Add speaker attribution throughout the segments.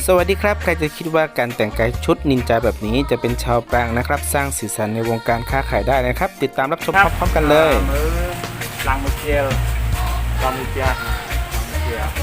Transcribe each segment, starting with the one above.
Speaker 1: สวัสดีครับใครจะคิดว่าการแต่งกายชุดนินจาแบบนี้จะเป็นชาวปรางนะครับสร้างสีสันในวงการค้าขายได้นะครับติดตามรับชมพร้อมๆกันเลย
Speaker 2: มือลังมือเจียวลังมือเจียวลังมือเจียว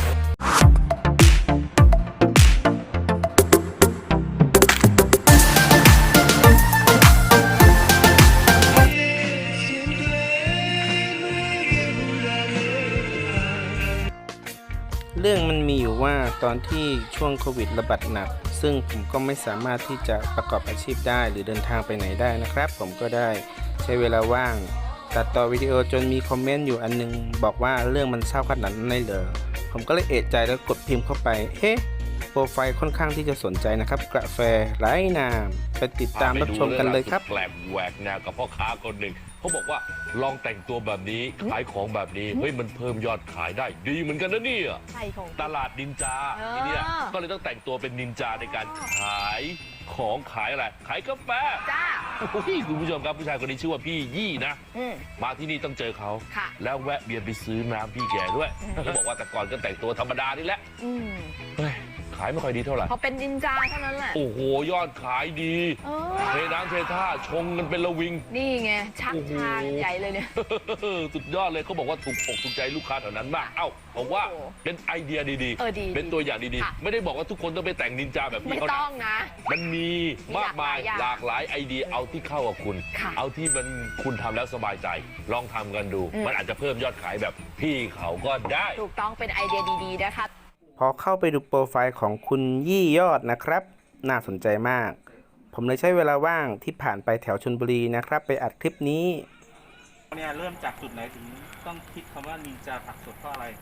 Speaker 1: เรื่องมันมีอยู่ว่าตอนที่ช่วงโควิดระบาดหนักซึ่งผมก็ไม่สามารถที่จะประกอบอาชีพได้หรือเดินทางไปไหนได้นะครับผมก็ได้ใช้เวลาว่างตัดต่อวิดีโอจนมีคอมเมนต์อยู่อันนึงบอกว่าเรื่องมันเศร้าขนาดนั้นเลยเหรอผมก็เลยเอะใจแล้วกดพิมพ์เข้าไปเฮ้โปรไฟล์ค่อนข้างที่จะสนใจนะครับกาแฟไร้น้ำไปติดตามรับชมกันเลยครับ
Speaker 3: แปลกแหวกแนวกับพ่อค้าคนหนึ่งเขาบอกว่าลองแต่งตัวแบบนี้ขายของแบบนี้เฮ้ยมันเพิ่มยอดขายได้ดีเหมือนกันนะเนี่ยตลาดนินจาทีเนี้ยก็เลยต้องแต่งตัวเป็นนินจาในการขายของขายอะไรขายกาแฟ
Speaker 4: จ้า
Speaker 3: คุณผู้ชมครับผู้ชายคนนี้ชื่อว่าพี่ยี่นะมาที่นี่ต้องเจอเขาแล้วแวะเบียนไปซื้อน้ำพี่แกด้วยเขาบอกว่าแต่ก่อนก็แต่งตัวธรรมดานี่แหละเฮ้ยขายไม่ค่อยดีเท่าไหร่
Speaker 4: พอเป็นนินจาเท่านั้นแหละ
Speaker 3: โอ้โหยอดขายดีเทน้ำเทท่าชงกันเป็นระวิง
Speaker 4: นี่ไงชักชาใหญ่เลยเนี่ย
Speaker 3: สุดยอดเลยเขาบอกว่าถูกอกถูกใจลูกค้าแถวนั้นมากบอกว่าเป็นไอเดียดีๆเป็นตัวอย่างดีๆไม่ได้บอกว่าทุกคนต้องไปแต่งนินจาแบบนี้
Speaker 4: ไม่ต้องนะ
Speaker 3: มันมีมากมายหลากหลายไอเดียเอาที่เข้ากับคุณเอาที่มันคุณทำแล้วสบายใจลองทำกันดูมันอาจจะเพิ่มยอดขายแบบพี่เขาก็ได้
Speaker 4: ถูกต้องเป็นไอเดียดีๆนะคะ
Speaker 1: พอเข้าไปดูโปรไฟล์ของคุณยี่ยอดนะครับน่าสนใจมากผมเลยใช้เวลาว่างที่ผ่านไปแถวชลบุรีนะครับไปอัดคลิปนี้
Speaker 2: เนี่ยเริ่มจากจุดไหนถึงต้องคิดคำว่านินจาผักสดเพราะอะไร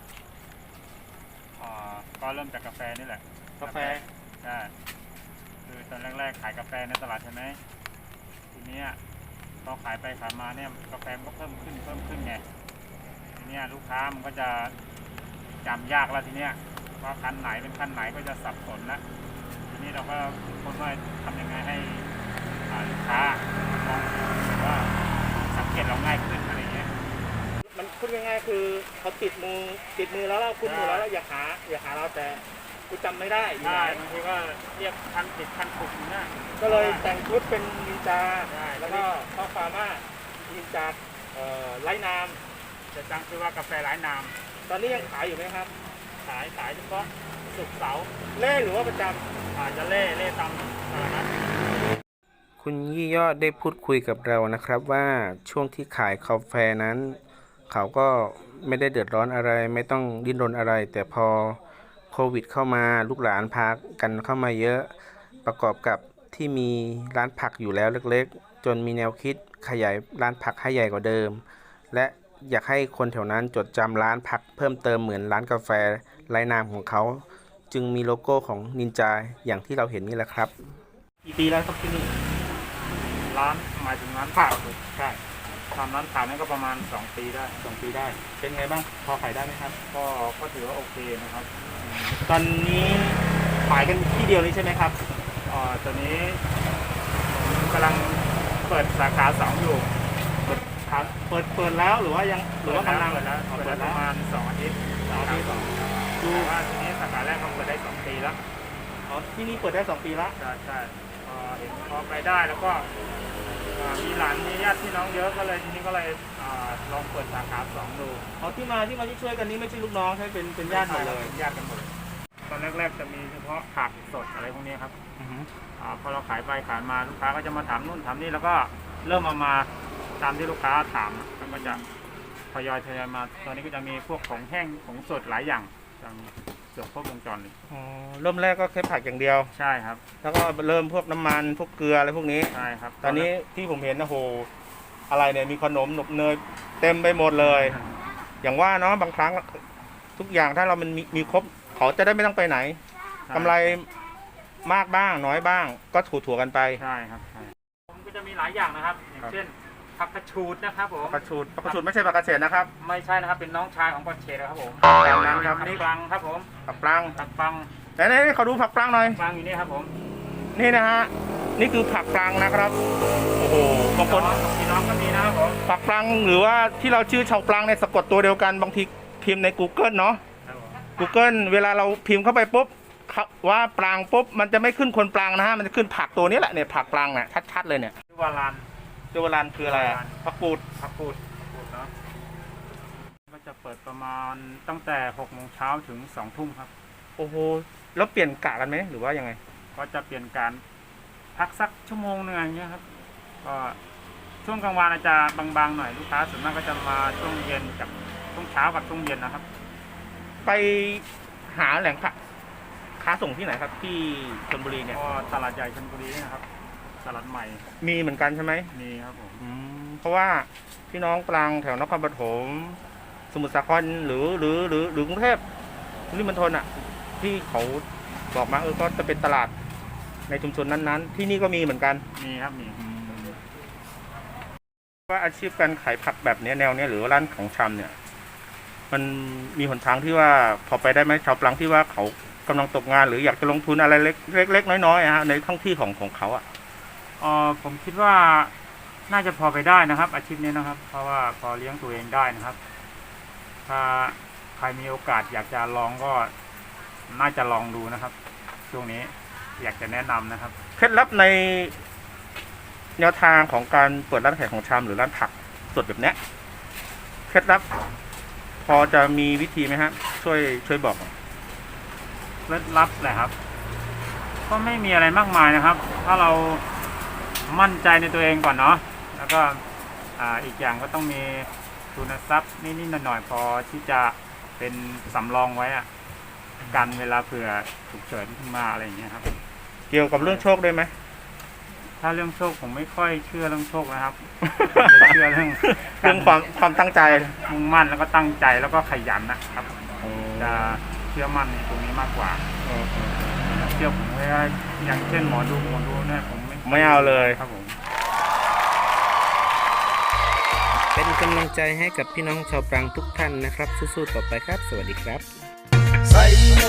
Speaker 2: ก็เริ่มจากกาแฟนี่แหละกาแฟใช่คือตอนแรกๆขายกาแฟในตลาดใช่ไหมทีนี้พอขายไปขายมาเนี่ยกาแฟมันก็เพิ่มขึ้นไงทีนี้ลูกค้ามันก็จะจำยากแล้วทีเนี้ยว่าคันไหนเป็นคันไหนก็จะสับสนแล้วทีนี้เราก็คิดว่าทำยังไงให้ลูกค้ามองว่าสังเกตเราง่ายขึ้นอะไรเงี้ยมันพูดง่ายๆคือเขาติดมือแล้วเราคุ้นมือแล้วอยากหาเราแต่กูจำไม่ได้บางทีก็เรียกคันติดคันถูกนะก็เลยแต่งชุดเป็นนินจาแล้วก็ข้อความว่านินจาไร้น้ำจะตั้งชื่อว่ากาแฟไร้น้ำตอนนี้ยังขายอยู่ไหมครับขายเฉพาะศุกร์เสาร์เล่หรือว่าประจำอาจจะเล่ตามตลาด
Speaker 1: คุณยี่ยอดได้พูดคุยกับเรานะครับว่าช่วงที่ขายกาแฟนั้นเขาก็ไม่ได้เดือดร้อนอะไรไม่ต้องดิ้นรนอะไรแต่พอโควิดเข้ามาลูกหลานพากันเข้ามาเยอะประกอบกับที่มีร้านผักอยู่แล้วเล็กๆจนมีแนวคิดขยายร้านผักให้ใหญ่กว่าเดิมและอยากให้คนแถวนั้นจดจำร้านผักเพิ่มเติมเหมือนร้านกาแฟไร้นามของเขาจึงมีโลโก้ของนินจาอย่างที่เราเห็นนี่แหละครับ
Speaker 2: กี่ปีแล้วครับที่นี่ร้านหมายถึงร้านผักใช่ทำร้านผักนี่ก็ประมาณ2 ปีได้เป็นไงบ้างพอขายได้ไหมครับก็ถือว่าโอเคนะครับตอนนี้ขายกันที่เดียวนี้ใช่ไหมครับตอนนี้กำลังเปิดสาขา2อยู่เปิดแล้วหรือว่ากำลังเปิดแล้วประมาณ2 อาทิตย์ดูว่าทีนี้สาขาแรกเขาเปิดได้2 ปีแล้วที่นี่เปิดได้2 ปีแล้วใช่เห็นพอไปได้แล้วก็มีหลานมีญาติพี่น้องเยอะก็เลยทีนี้ก็เลยลองเปิดสาขา2ดูที่มาที่ช่วยกันนี้ไม่ใช่ลูกน้องใช่เป็นญาติหมดเลยญาติกันหมดตอนแรกๆจะมีเฉพาะผักสดอะไรพวกนี้ครับพอเราขายไปขายมาลูกค้าก็จะมาถามนู่นถามนี่แล้วก็เริ่มมาตามที่ลูกค้าถามแล้วก็จะทยอยมาตอนนี้ก็จะมีพวกของแห้งของสดหลายอย่างเกือบครบวงจรเลย
Speaker 1: เริ่มแรกก็แค่ผักอย่างเดียว
Speaker 2: ใช่ครับ
Speaker 1: แล้วก็เริ่มพวกน้ำมันพวกเกลืออะไรพวกนี้
Speaker 2: ใช่ครับ
Speaker 1: ตอนนี้ที่ผมเห็นนะโหอะไรเนี่ยมีขนมหนบเนยเต็มไปหมดเลย อย่างว่าเนาะบางครั้งทุกอย่างถ้าเรามันมีครบเขาจะได้ไม่ต้องไปไหนกำไรมากบ้างน้อยบ้างก็ถั่วกันไป
Speaker 2: ใช่ครับผมก็จะมีหลายอย่างนะครับอย่างเช่นผักกระชูดนะครับผม
Speaker 1: ผักกระชูดไม่ใช่ผักกระเฉดนะครับ
Speaker 2: ไม่ใช่นะครับเป็นน้องชายของผักเฉดครับผม
Speaker 1: อย่างนั้นครับ
Speaker 2: นี่ปลังครับผม
Speaker 1: ผักปลังไหนเขาดูผักปลังหน่อย
Speaker 2: ปลังอยู่นี่ครับผม
Speaker 1: นี่นะฮะนี่คือผักปลังนะครับโอ้โหบางคน
Speaker 2: พี่น้องก็มีนะครับผม
Speaker 1: ผักปลังหรือว่าที่เราชื่อชาวปลังในสะกดตัวเดียวกันบางทีพิมพ์ใน Google เนาะ Google เวลาเราพิมพ์เข้าไปปุ๊บว่าปรางปุ๊บมันจะไม่ขึ้นคนปรางนะฮะมันจะขึ้นผักตัวนี้แหละเนี่ยผักปรางเนี่ยชัดๆเลยเนี่ย
Speaker 2: ชื่อว่าลาน
Speaker 1: เจวรันคืออะไรอะผักกูด
Speaker 2: พักพูดเนาะก็จะเปิดประมาณตั้งแต่6 โมงเช้าถึง2 ทุ่มครับ
Speaker 1: โอ้โหแล้วเปลี่ยนกะกันไหมหรือว่ายังไง
Speaker 2: ก็จะเปลี่ยนการพักสักชั่วโมงนึงอย่างเงี้ยครับก็ช่วงกลางวันอาจจะบางๆหน่อยลูกค้าส่วนมากก็จะมาช่วงเย็นกับช่วงเช้ากับช่วงเย็นนะครับ
Speaker 1: ไปหาแหล่งผักค้าส่งที่ไหนครับที่ชลบุรีเนี่ย
Speaker 2: ก็ตลาดใหญ่ชลบุรีนะครับตลาดใหม่
Speaker 1: มีเหมือนกันใช่ไหม
Speaker 2: มีครับผม
Speaker 1: เพราะว่าพี่น้องปรางแถวนครปฐมสมุทรสาครหรือกรุงเทพปริมณฑลอ่ะที่เขาบอกมาก็จะเป็นตลาดในชุมชนนั้นๆ ที่นี่ก็มีเหมือนกัน
Speaker 2: มีครับมี
Speaker 1: ว่าอาชีพการขายผักแบบนี้แนวเนี้ยหรือว่าร้านของชำเนี่ย มันมีหนทางที่ว่าพอไปได้ไหมชาวปรางที่ว่าเขากำลังตกงาน หรืออยากจะลงทุนอะไรเล็กๆน้อยๆอะฮะในท้องที่ของเขาอ่ะ
Speaker 2: ผมคิดว่าน่าจะพอไปได้นะครับ อาชีพนี้นะครับ เพราะว่าพอเลี้ยงตัวเองได้นะครับ ถ้าใครมีโอกาสอยากจะลองก็น่าจะลองดูนะครับ ช่วงนี้อยากจะแนะนำนะครับ
Speaker 1: เคล็ดลับในแนวทางของการเปิดร้านขายของชำหรือร้านผักสดแบบเนี้ยเคล็ดลับพอจะมีวิธีไหมฮะช่วยบอกหน่อย
Speaker 2: เคล็ดลับแหละครับ ก็ไม่มีอะไรมากมายนะครับ ถ้าเรามั่นใจในตัวเองก่อนเนาะแล้วก็อีกอย่างก็ต้องมีทุนทรัพย์นิดๆหน่อยๆพอที่จะเป็นสำรองไว้อะกันเวลาเผื่อฉุกเฉินขึ้นมาอะไรอย่างเงี้ยครับ
Speaker 1: เกี่ยวกับเรื่องโชคด้วยไหม
Speaker 2: ถ้าเรื่องโชคผมไม่ค่อยเชื่อเรื่องโชคนะครับ ผมจะเชื่อเรื่อง
Speaker 1: เรื่องความตั้งใจ
Speaker 2: มุ่งมั่นแล้วก็ตั้งใจแล้วก็ขยันนะครับ จะเชื่อมั่นในตรงนี้มากกว่าเชื่อผมว่าอย่างเช่นหมอดูเนี่ยผม
Speaker 1: ไม่เอาเลย
Speaker 2: ครับผม
Speaker 1: เป็นกำลังใจให้กับพี่น้องชาวปรางทุกท่านนะครับสู้ๆต่อไปครับ สวัสดีครับ
Speaker 5: ใส่